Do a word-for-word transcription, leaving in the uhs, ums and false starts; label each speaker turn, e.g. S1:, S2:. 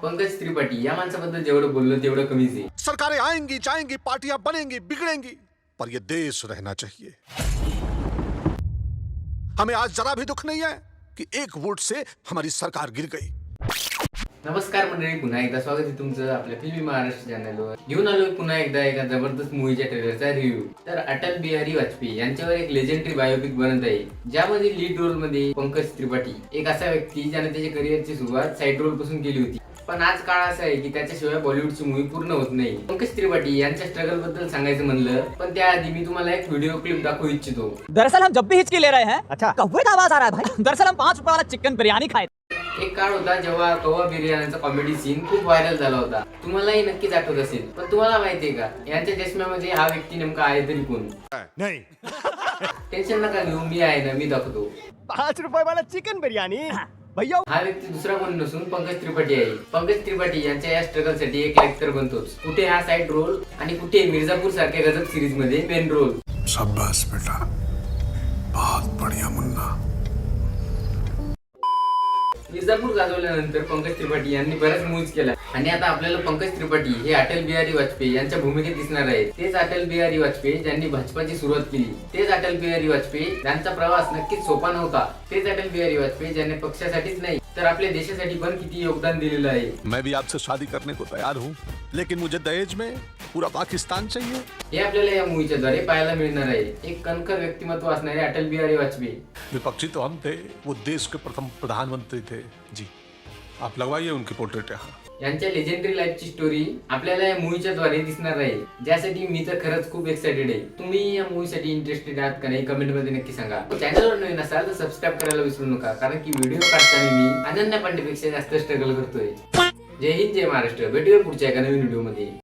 S1: पंकज त्रिपाठी या माणसाबद्दल जेवढं बोललो तेवढं कमीच आहे.
S2: सरकारें आएंगी जाएंगी, पार्टियां बनेंगी बिगड़ेंगी, पर ये देश रहना चाहिए. हमें आज जरा भी दुख नहीं है कि एक वोट से हमारी सरकार गिर गई.
S1: नमस्कार मंडळी, पुन्हा एकदा स्वागत आहे तुमचं आपल्या फिल्मी महाराष्ट्र चॅनलवर. घेऊन आलोय पुन्हा एकदा एका जबरदस्त मूवीच्या ट्रेलरचा रिव्ह्यू. तर अटल बिहारी वाजपेयी यांच्यावर एक लेजेंडरी बायोपिक बनत आहे, ज्यामध्ये लीड रोल मध्ये पंकज त्रिपाठी, एक असा व्यक्ती ज्याने त्याच्या करिअरची सुरुवात साईड रोल पासून केली होती. पण आज काळ असा आहे की त्याच्याशिवाय बॉलिवूडची मूवी पूर्ण होत नाही. पंकज त्रिपाठी यांच्या स्ट्रगल बद्दल सांगायचं म्हणलं, पण त्याआधी मी तुम्हाला एक व्हिडिओ क्लिप दाखवू इच्छितो.
S3: दरअसल हम जब भी हिचकी ले रहे हैं, अच्छा कौवे का आवाज आ रहा है भाई. दरअसल हम पांच रुपए वाला चिकन बिरयानी खाए.
S1: एक काळ होता जेव्हा कौवा बिर्याणीचा कॉमेडी सीन खूप व्हायरल झाला होता. तुम्हालाही नक्कीच आठवत असेल. पण तुम्हाला माहितीये का यांच्या चष्म्यामध्ये हा व्यक्ती नेमका आहे तरी कोण?
S2: नहीं.
S1: टेन्शन नका घेऊ, मी आहे ना, मी दाखवतो.
S4: पाच रुपये वाला चिकन बिर्याणी भैया.
S1: हा व्यक्ती दुसरा कोण नसून पंकज त्रिपाठी आहे. पंकज त्रिपाठी यांच्या या स्ट्रगल साठी एक लाईक तर बनतोच. कुठे हा साइड रोल आणि कुठे मिर्जापूर सारख्या गजब सिरीज मध्ये मेन रोल.
S2: शाबाश बेटा, बहुत बढ़िया मुन्ना.
S1: मिर्जापूर गाजवल्यानंतर पंकज त्रिपाठी यांनी बऱ्याच मूव्ज केल्या आणि आता आपल्याला पंकज त्रिपाठी हे अटल बिहारी वाजपेयी यांच्या भूमिकेत दिसणार आहेत. तेच अटल बिहारी वाजपेयी ज्यांनी भाजपाची सुरुवात केली. तेच अटल बिहारी वाजपेयी ज्यांचा प्रवास नक्कीच सोपा नव्हता. तेच अटल बिहारी वाजपेयी ज्यांनी पक्षासाठीच नाही तर आपल्या देशासाठी पण किती योगदान दिलेलं आहे.
S2: मैं भी आपसे शादी करने को तैयार हूँ, लेकिन मुझे दहेज में पूरा पाकिस्तान चाहिए.
S1: हे आपल्याला या मूवीच्या द्वारे पाहायला मिळणार आहे. एक कणखर व्यक्तिमत्व असणारे अटल बिहारी वाजपेयी.
S2: विपक्षी तो हम थे, वो देश के प्रथम प्रधानमंत्री थे. जी, आप लगवाइए उनकी पोर्ट्रेट यहाँ.
S1: यांच्या लेजेंडरी लाईफची स्टोरी आपल्याला या मूवीच्या द्वारे दिसणार आहे, ज्यासाठी मी तर खरंच खूप एक्साइटेड आहे. तुम्ही या मूवीसाठी इंटरेस्टेड आहात का नाही कमेंट मध्ये नक्की सांगा. चॅनलवर नवीन असाल तर सबस्क्राईब करायला विसरू नका, कारण की व्हिडिओ काढताना मी अनन्या पांडेपेक्षा जास्त स्ट्रगल करतोय. जय हिंद, जय महाराष्ट्र. भेटूया पुढच्या एका नवीन व्हिडिओ मध्ये.